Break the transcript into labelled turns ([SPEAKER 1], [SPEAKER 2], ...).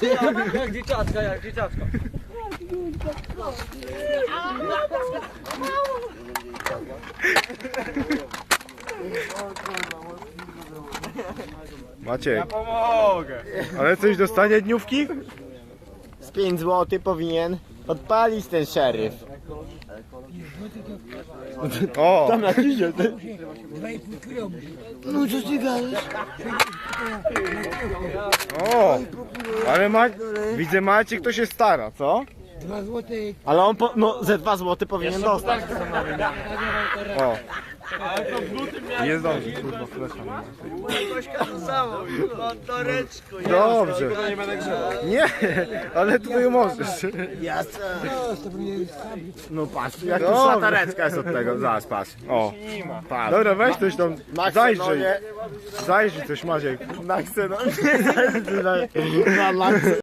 [SPEAKER 1] Jak dzieciaczka, jak dzieciaczka.
[SPEAKER 2] Maciek,
[SPEAKER 1] Ja pomogę.
[SPEAKER 2] ale coś dostanie dniówki?
[SPEAKER 3] Z 5 zł powinien odpalić ten szeryf.
[SPEAKER 2] O!
[SPEAKER 3] Tam na kizie, ty.
[SPEAKER 4] No co ty gadasz?
[SPEAKER 2] O! Ale widzę Maciek to się stara, co?
[SPEAKER 4] 2 złote.
[SPEAKER 3] Ale on no ze 2 zł powinien dostać.
[SPEAKER 2] O! Nie zdąży, kurwa, flesza. Dobrze. Nie, ale tutaj możesz.
[SPEAKER 3] No patrz, jak tu
[SPEAKER 2] Dobrze.
[SPEAKER 3] szlatareczka jest od tego. Zaraz, patrz.
[SPEAKER 2] O!
[SPEAKER 3] Patrz.
[SPEAKER 2] Dobra, weź coś tam,
[SPEAKER 3] Na
[SPEAKER 2] zajrzyj.
[SPEAKER 3] ksenonie.
[SPEAKER 2] Zajrzyj coś, Maciek.
[SPEAKER 3] Na ksenonie. Na laksie.